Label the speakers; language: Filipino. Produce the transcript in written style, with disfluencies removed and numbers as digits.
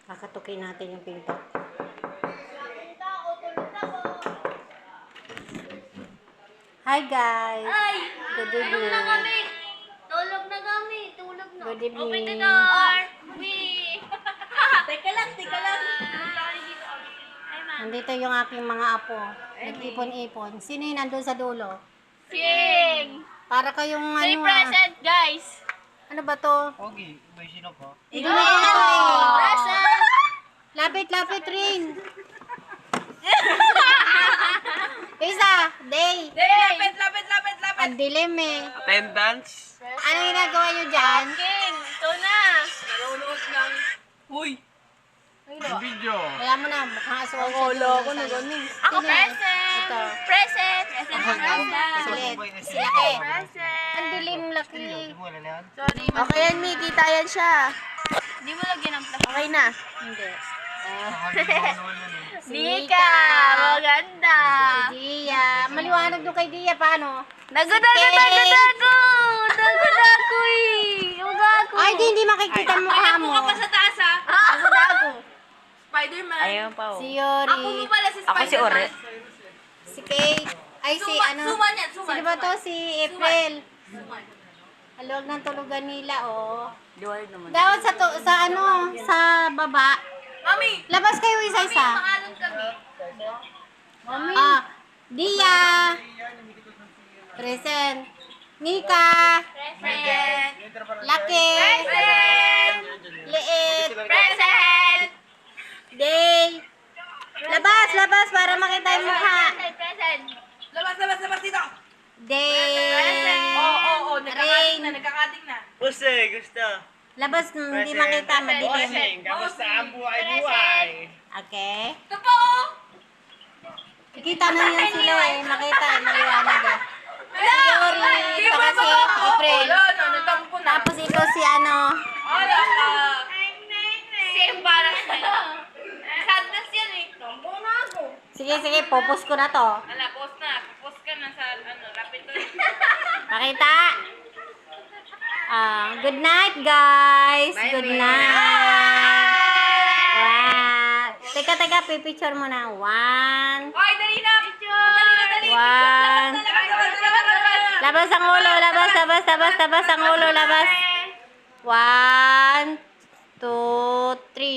Speaker 1: Kakatukin natin yung pinto. Hi guys!
Speaker 2: Ay!
Speaker 1: Good
Speaker 2: Tulog
Speaker 1: evening.
Speaker 2: na kami! Tulog na kami! Tulog na!
Speaker 1: Good evening.
Speaker 2: Open the door! Teka lang! Hi, ma'am.
Speaker 1: Nandito yung aking mga apo. Nag-ipon-ipon. Sino yung nandun sa dulo?
Speaker 2: Sing!
Speaker 1: Para kayong
Speaker 2: Say
Speaker 1: ano
Speaker 2: present, guys!
Speaker 1: Ano ba to?
Speaker 3: Pogi, may sino ko?
Speaker 1: Hindi na ito eh.
Speaker 2: Present!
Speaker 1: Lapit-lapit rin. Isa, day.
Speaker 2: Lapit!
Speaker 1: Ang dilim eh.
Speaker 3: Attendance?
Speaker 1: Ano ginagawa nyo dyan?
Speaker 2: King! Ito na!
Speaker 3: Nanonood ng... Uy! Yung video.
Speaker 1: Kaya mo na, mukhang aswang siya. Ako na ganun.
Speaker 2: Ako present!
Speaker 1: Ito.
Speaker 2: Present! Present!
Speaker 1: Silit.
Speaker 3: Silaki.
Speaker 1: Silaki.
Speaker 2: Present!
Speaker 1: Ang dilim, laki.
Speaker 3: Hindi mo alalayan?
Speaker 2: Sorry,
Speaker 4: Okay yan, Mi. Kita yan siya.
Speaker 2: Hindi mo lagyan ng plastic.
Speaker 4: Okay na.
Speaker 1: Hindi. Si
Speaker 2: Nika! Maganda!
Speaker 1: Si Dia. Maliwanag doon kay Dia. Paano?
Speaker 2: Dago! Eh! Yung gago!
Speaker 1: Ay, hindi makikita ang mukha mo.
Speaker 2: sa taas, ha?
Speaker 1: Ako dago.
Speaker 2: Spider-Man.
Speaker 4: Ayun pa, oh.
Speaker 1: Si Yori.
Speaker 2: pala si
Speaker 4: Ako si Ore.
Speaker 1: Si Kate. Ay, si ano.
Speaker 2: Suman yan, suman.
Speaker 1: Sino ba to? Si April. Haluag ng tulugan nila, oh.
Speaker 4: Dual naman.
Speaker 1: Dapat sa ano, sa baba.
Speaker 2: Mami!
Speaker 1: Labas kayo isa-isa.
Speaker 2: Pangalan kami.
Speaker 1: Ah, Dia. Present. Nika.
Speaker 2: Present!
Speaker 1: Laki.
Speaker 2: Present!
Speaker 1: Liit.
Speaker 2: Present!
Speaker 1: Day. Labas para makita yung mukha.
Speaker 2: Present!
Speaker 3: Labas dito!
Speaker 1: Day. Rain.
Speaker 2: Nagkakating na.
Speaker 3: Puse, gusto.
Speaker 1: Labas, hindi makita, madilim.
Speaker 3: Kamusta ang buhay-buhay?
Speaker 1: Okay.
Speaker 2: Ito po!
Speaker 1: Kita na yan sila eh. Makita eh. Maliwanag eh. Si Yori, saka si April.
Speaker 2: Natampo na.
Speaker 1: Tapos ito si ano.
Speaker 2: Wala ka. Same parang sa'yo. Sadness yan eh. Tampo na ako.
Speaker 1: Sige, popos ko na to.
Speaker 2: Ala, post na. Post ka na sa rapid to.
Speaker 1: Pakita. Good night, guys. Good night. Wow. Teka, pipicture mo na. 1.
Speaker 2: Hoy, dali na! Dali!
Speaker 1: 1. Labas ang ulo, labas ang ulo, labas. 1, 2, 3.